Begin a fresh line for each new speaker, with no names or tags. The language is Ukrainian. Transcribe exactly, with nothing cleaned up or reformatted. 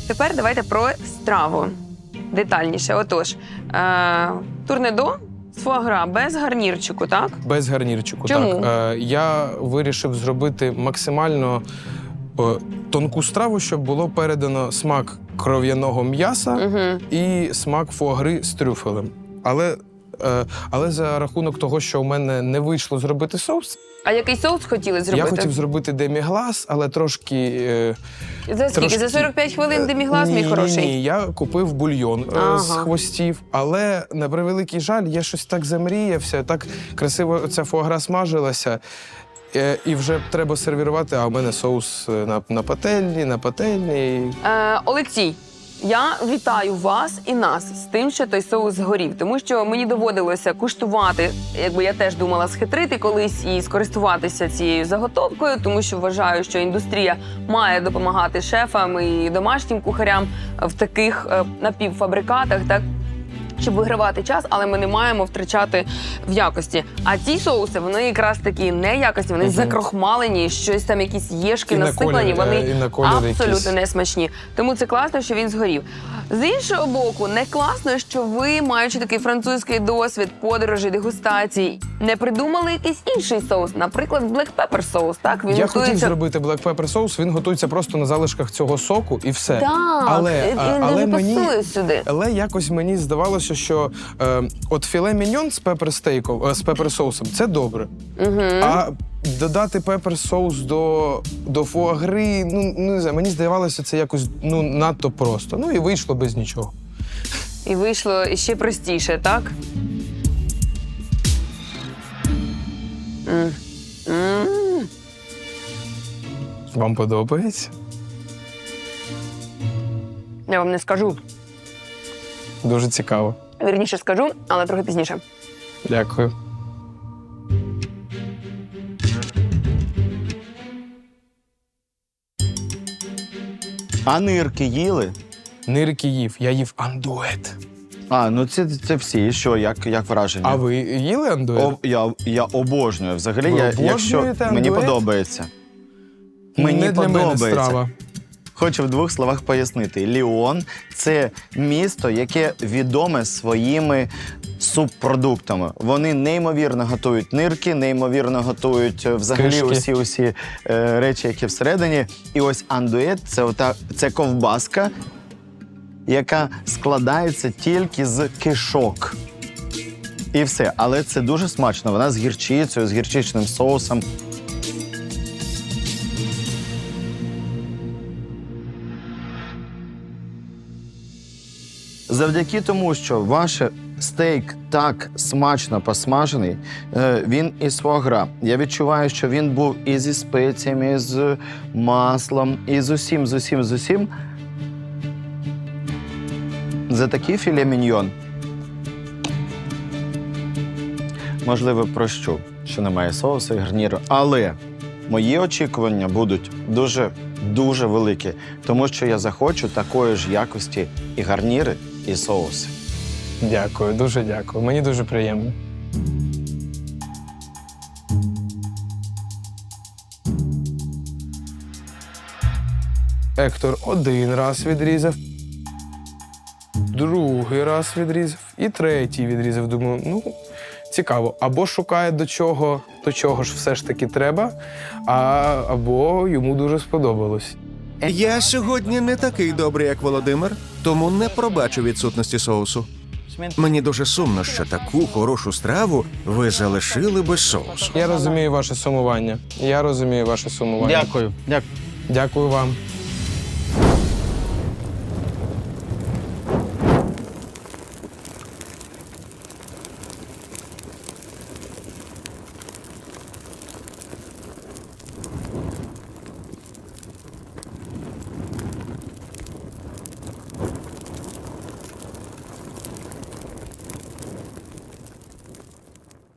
Тепер давайте про страву детальніше. Отож, е турнедо з фуагра без гарнірчику, так?
Без гарнірчику,
Чому?
так. Е, я вирішив зробити максимально е, тонку страву, щоб було передано смак кров'яного м'яса
Угу.
і смак фуагри з трюфелем. Але, е, але за рахунок того, що у мене не вийшло зробити соус,
А який соус хотіли зробити?
я хотів зробити деміглас, але трошки... Е,
За скільки?
трошки-
За сорок п'ять хвилин деміглас, мій
ні,
хороший?
Ні, ні, я купив бульйон е,
Ага.
з хвостів, але, на превеликий жаль, я щось так замріявся, так красиво ця фуагра смажилася, е, і вже треба сервірувати, а у мене соус на, на пательні, на пательні.
Е, Олексій, я вітаю вас і нас з тим, що той соус згорів, тому що мені доводилося куштувати, якби я теж думала схитрити колись і скористуватися цією заготовкою, тому що вважаю, що індустрія має допомагати шефам і домашнім кухарям в таких е, напівфабрикатах, так, щоб вигравати час, але ми не маємо втрачати в якості. А ці соуси, вони якраз такі неякісні, вони
Мгм.
закрохмалені, щось там, якісь єшки
І на
насиплані,
колір, е,
вони
і на колір
абсолютно
якийсь.
не смачні. Тому це класно, що він згорів. З іншого боку, не класно, що ви, маючи такий французький досвід, подорожі, дегустацій, не придумали якийсь інший соус, наприклад, black pepper соус, так? Він
Я
готується...
хотів зробити black pepper соус, він готується просто на залишках цього соку і все.
Так,
але,
він
а,
дуже
але мені,
пасує сюди.
Але якось мені здавалося, що е, от філе міньйон з пепер-стейком, е, з пепер-соусом – це добре.
Угу.
А додати пепер-соус до, до фуагри, ну, не знаю, мені здавалося, це якось ну, надто просто. Ну і вийшло без нічого.
І вийшло ще простіше, так? М. М.
Вам подобається?
Я вам не скажу.
Дуже цікаво.
Вірніше скажу, але трохи пізніше.
Дякую.
А нирки їли?
Нирки їв, я їв андует.
А, ну це, це всі. І що, як, як враження?
А ви їли андует?
О, я, я обожнюю. Взагалі,
Ви
я, якщо
обожнюєте
мені
андует?
подобається. Мені
Не для
подобається.
мене страва.
Хочу в двох словах пояснити. Ліон – це місто, яке відоме своїми субпродуктами. Вони неймовірно готують нирки, неймовірно готують е, взагалі
Кишки.
усі усі е, речі, які всередині. І ось андует – це ота, це ковбаска, яка складається тільки з кишок. І все. Але це дуже смачно. Вона з гірчицею, з гірчичним соусом. Завдяки тому, що ваш стейк так смачно посмажений, е, він із фуагра. Я відчуваю, що він був і зі спеціями, і з маслом, і з усім, з усім, з усім. За такий філе міньйон, можливо, прощу, що немає соусу і гарніру, але мої очікування будуть дуже, дуже великі, тому що я захочу такої ж якості і гарніри, і соуси.
Дякую, дуже дякую. Мені дуже приємно. Ектор один раз відрізав, другий раз відрізав і третій відрізав. Думаю, ну, цікаво. Або шукає до чого, до чого ж все ж таки треба, а, або йому дуже сподобалось.
Я сьогодні не такий добрий, як Володимир, тому не пробачу відсутності соусу. Мені дуже сумно, що таку хорошу страву ви залишили без соусу.
Я розумію ваше сумування. Я розумію ваше сумування.
Дякую. Дякую.
Дякую вам.